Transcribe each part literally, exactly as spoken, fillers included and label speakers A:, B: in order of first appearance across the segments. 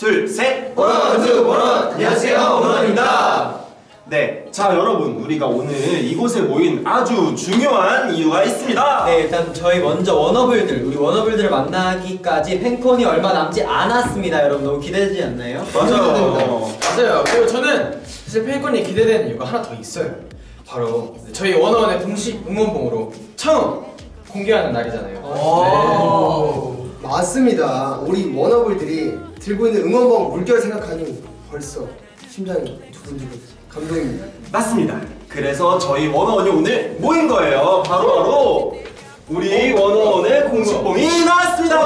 A: 둘, 셋!
B: 원어원투 원어원! 안녕하세요, 원어원입니다.
A: 네, 자 여러분, 우리가 오늘 이곳에 모인 아주 중요한 이유가 있습니다.
C: 네, 일단 저희 먼저 워너블들, 우리 워너블들을 만나기까지 팬콘이 얼마 남지 않았습니다. 여러분 너무 기대되지 않나요?
A: 맞아요.
B: 맞아요. 그리고 저는 사실 팬콘이 기대되는 이유가 하나 더 있어요. 바로 저희 원어원의 공식 응원봉으로 처음 공개하는 날이잖아요.
D: 네. 맞습니다. 우리 워너블들이 들고 있는 응원봉 물결 생각하니 벌써 심장이 두근두근 감동입니다.
A: 맞습니다. 그래서 저희 원어원이 오늘 모인 거예요. 바로 바로 우리 원어원의 공식봉이 나왔습니다.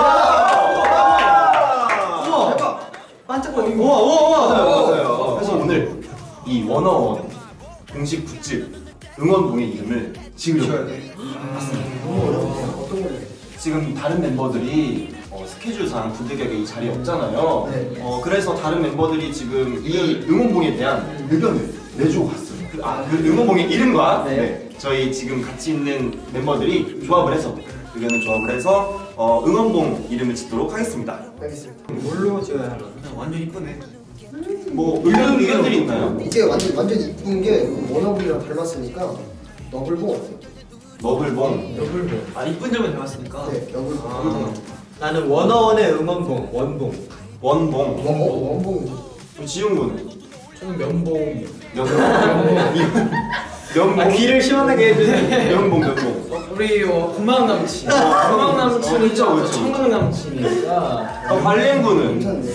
C: 우와, 대박! 반짝거리고.
A: 우와, 우와, 맞아요, 맞아요. 그래서 오늘 이 원어원 공식 굿즈 응원봉의 이름을 지으려고 해요. 맞습니다.
D: 너무 어려운데요? 어떤 걸로?
A: 지금 다른 멤버들이 어, 스케줄상 부득이하게 이 자리에 없잖아요.
D: 네.
A: 어, 그래서 다른 멤버들이 지금 이 응원봉에 대한 의견을 내주고 갔어요. 그, 아, 그 응원봉의 이름과
C: 네.
A: 네, 저희 지금 같이 있는 멤버들이 조합을 해서 의견을 조합을 해서 어, 응원봉 이름을 짓도록 하겠습니다.
D: 알겠습니다.
C: 뭘로 찍어야 하나?
B: 완전 이쁘네.
A: 뭐 의견, 의견들이 있나요?
D: 이게 완전 완전 이쁜 게 워너블이랑 닮았으니까 너블봉 어때요?
A: 너블봉.
C: 너블봉.
B: 아, 이쁜 점을 배웠으니까.
D: 네, 너블봉.
A: 아,
C: 나는 워너원의 응원봉, 원봉.
A: 원봉.
D: 원봉 원봉.
A: 그럼 지훈군은?
B: 저는 면봉이요.
A: 면봉. 면봉.
C: 아, 귀를 시원하게 해주세요.
A: 면봉, 면봉.
B: 우리 어, 고막 남친. 고막 남친이
A: 그쵸,
B: 죠
A: 그쵸.
B: 청각 남친이니까.
A: 어, 관련군은?
D: 괜찮네.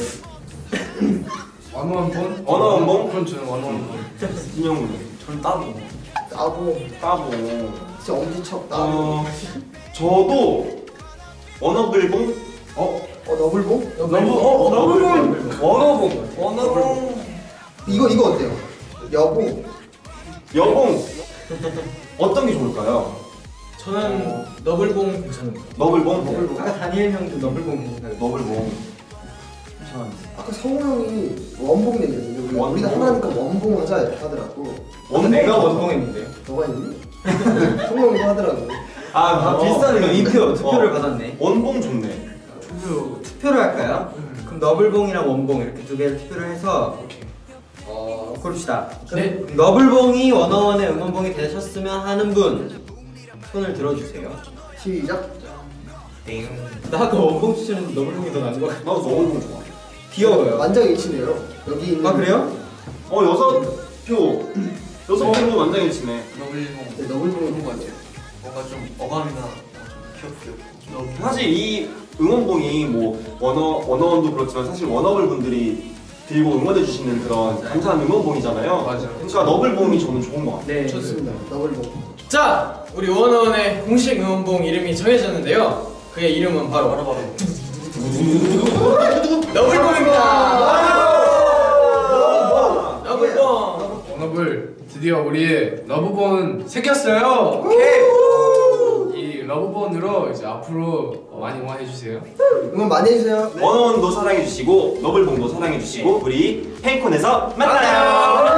B: 원어원봉?
A: 원어원봉?
B: 그럼 저는 원어원봉.
A: 진영군은?
B: 저는 따봉.
D: 따봉.
A: 따봉.
D: 진짜 엄지척 따봉.
A: 어, 저도 원어블봉? 어?
D: 어 너블봉?
A: 너블, 어, 너블봉? 원어봉. 원어봉.
D: 이거 이거 어때요? 여봉.
A: 여봉. 어떤 게 좋을까요?
B: 저는 너블봉 괜찮은 거.
A: 너블봉?
D: 너블봉.
C: 아까 다니엘 형도 너블봉 생각해.
A: 너블봉. 괜찮은데.
D: 아까 성호 형이 원봉 얘기했는데 우리
A: 원봉.
D: 우리가 하나니까 원봉 하자 이렇게 하더라고.
A: 원봉.
C: 내가 원봉했는데요.
D: 너가 있니? 성호 형도 하더라고.
A: 아,
C: 아,
A: 어.
C: 비슷한 의견. 이표, 투표를
A: 어.
C: 받았네.
A: 원봉 좋네.
C: 투표, 투표를 할까요? 그럼 너블봉이랑 원봉 이렇게 두 개를 투표를 해서 어, 고릅시다.
B: 네.
C: 그럼 너블봉이 원어원의 응원봉이 되셨으면 하는 분 손을 들어주세요.
D: 시작.
C: 땡. 나 아까 원봉 추천했는데 너블봉이 더 나은 것 같아.
A: 나도 너블봉 좋아.
C: 귀여워요.
D: 만장일치네요. 여기 있는.
C: 아 그래요?
A: 어, 여섯 표. 여섯 표도 만장일치네.
B: 너블봉.
D: 네, 너블봉이
B: 좋은 것 같아요. 뭔가 좀 어감이나 귀엽고.
A: 사실 이 응원봉이 뭐 원어 원어원도 그렇지만 사실 원어블 분들이 들고 응원해 주시는 그런 감사한 응원봉이잖아요.
B: 맞아요.
A: 그러니까 너블봉이 저는 좋은 것 같아요.
C: 네.
D: 좋습니다. 너블봉.
B: 자, 우리 원어원의 공식 응원봉 이름이 정해졌는데요. 그의 이름은 바로 바로 바로 너블봉입니다. 너블봉.
E: 워너블 드디어 우리의 러브본 생겼어요. 이 러브본으로 이제 앞으로 많이 응원해 주세요.
D: 응원 많이 해주세요.
A: 원어원도 사랑해 주시고 너블봉도 사랑해 주시고 우리 팬콘에서 만나요.